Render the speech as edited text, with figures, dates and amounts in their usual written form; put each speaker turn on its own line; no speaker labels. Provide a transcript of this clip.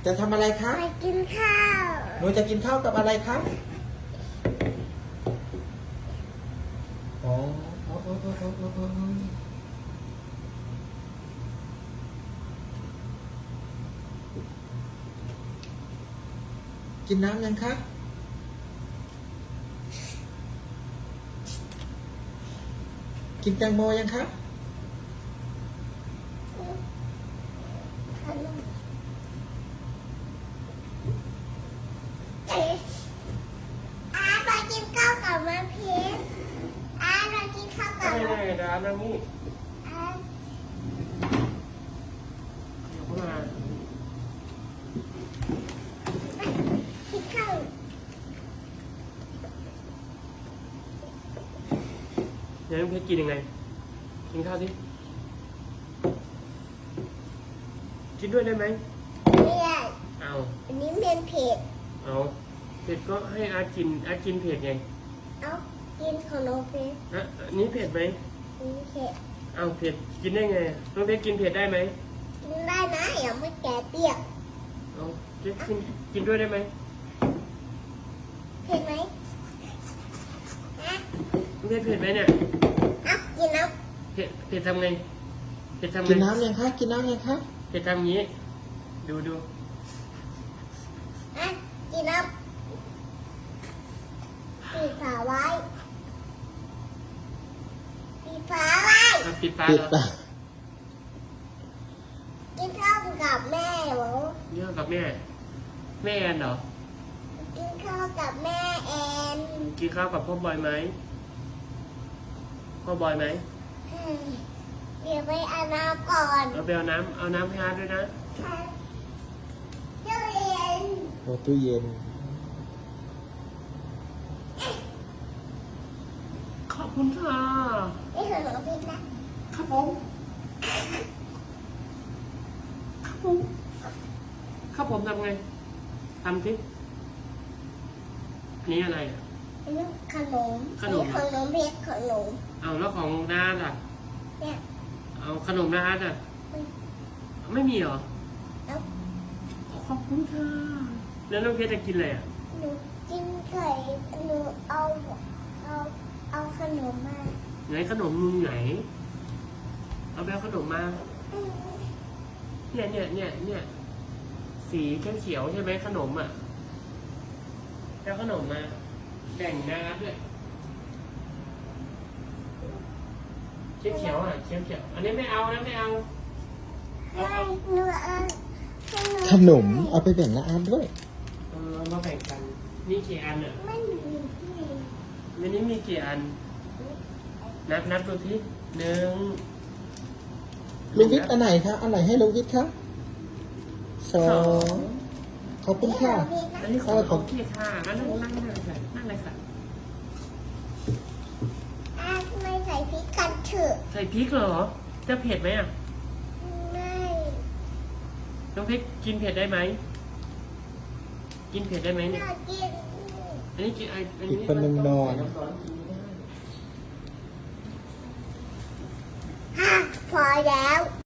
จะทำอะไรคะ
ไปกินข้าว
หนูจะกินข้าวกับอะไรคะอ๋อกินน้ำยังคะกินแตงโมยังคะ
ไปกินข้าวกับมะพร้าวเรากินข้าวกับ
ไม่ได้ดานะนี่
อา
เดี๋ยวเข้ามา
กินข้าว
เดี๋ยวน้องเพชรกินยังไงกินข้าวสิกินด้วยได้ไหม
ไม่ได้
เอา
อันนี้เป็นเผ็ด
เอาเผ็ดก็ให้อากินเผ็ดไง
เอากินของน้องเพชร
อ่ะอันนี้เผ็ดไหม
อันนี้เผ็ด
เอาเผ็ดกินได้ไงน้องเพชรกินเผ็ดได้ไหม
กินได้นะอย่าไม่แก่เปรี้ยว
เอาเพชรกินด้วยได้ไหม
เผ็ดไหมนะ
น้องเพชรเผ็ดไหมเนี่ย
เอากินน้
เผ็ดทำไงเผ็ดทำไง
กินน้ำยังคะกินน้ำยังคะ
เผ็ดทำงี้ดู
ำกินน้ำปิดฝาไว้ปิดฝาไว้
เอาปิดฝา
ปิด
เหรอ
ปาก
กินข้าวกับแม่เหรอ
เยอะกับแม่แอนเหรอ
กินข้าวกับแม่แอน
กินข้าวกับพ่อบอยไหมพ่อบอยไหม
เดี๋ยวไปอาบน้ำก่อน
เอาไปเอาน้ำให้อาร์ตด้วยนะ
เจ้าเย็น
โอ้ตู้เย็น
ขอบคุณค่ะ
นี่คือหนูพิษนะครับ
ผมครับผมทำไงทำสินี่อะไรอ่ะ
อันนี้ขนม
ขนม
อัของน้องเพชรขนม
เอาแล้วของน้าอ่ะ
เนี่ย
เอาขนมน้าอ่ะไม่มีเหรอ
เอา
ขอบคุณค่ะแล้วน้องเพชรจะกินอะไรอ่ะ
หนูกินไข่หนูเอาขนมมา
ไหนขนมมึงไหนเอาไปเอาขนมมาเนี่ยสีเขียวๆใช่ไหมขนมอ่ะแล้วขนมมาแบ่งน้าด้วยเขียวๆอ่ะเขียวๆอันนี้ไม่เอานะไม่เอา
ให้หนูเอาให้หนู
ขนมเอาไปแบ่งน้าอาร์ตด้วย
มาแบ่งกันนี่กี่อันอ่ะ
ไม่มีที่
วันนี้มีกี่อันนับดูสิ1
ลุงวิทย์อันไหนคะอันไหนให้ลุงวิทย์คะ2ขอบคุณค่ะ
อันนี้ของพี่ค่ะนั่งเลยค่ะนั่งเลยค่ะ
ไม่ใส่พริกกันเถอะ
ใส่พริกเหรอจะเผ็ดไหมอ่ะ
ไม่
น้องพริกกินเผ็ดได้ไหมกินเผ็ดได้ไหม
อ
เนี่ย
ยากกิน
อันนี้กินอัน
อี
นี้
กคนหนึ่งนอน
พอแล้ว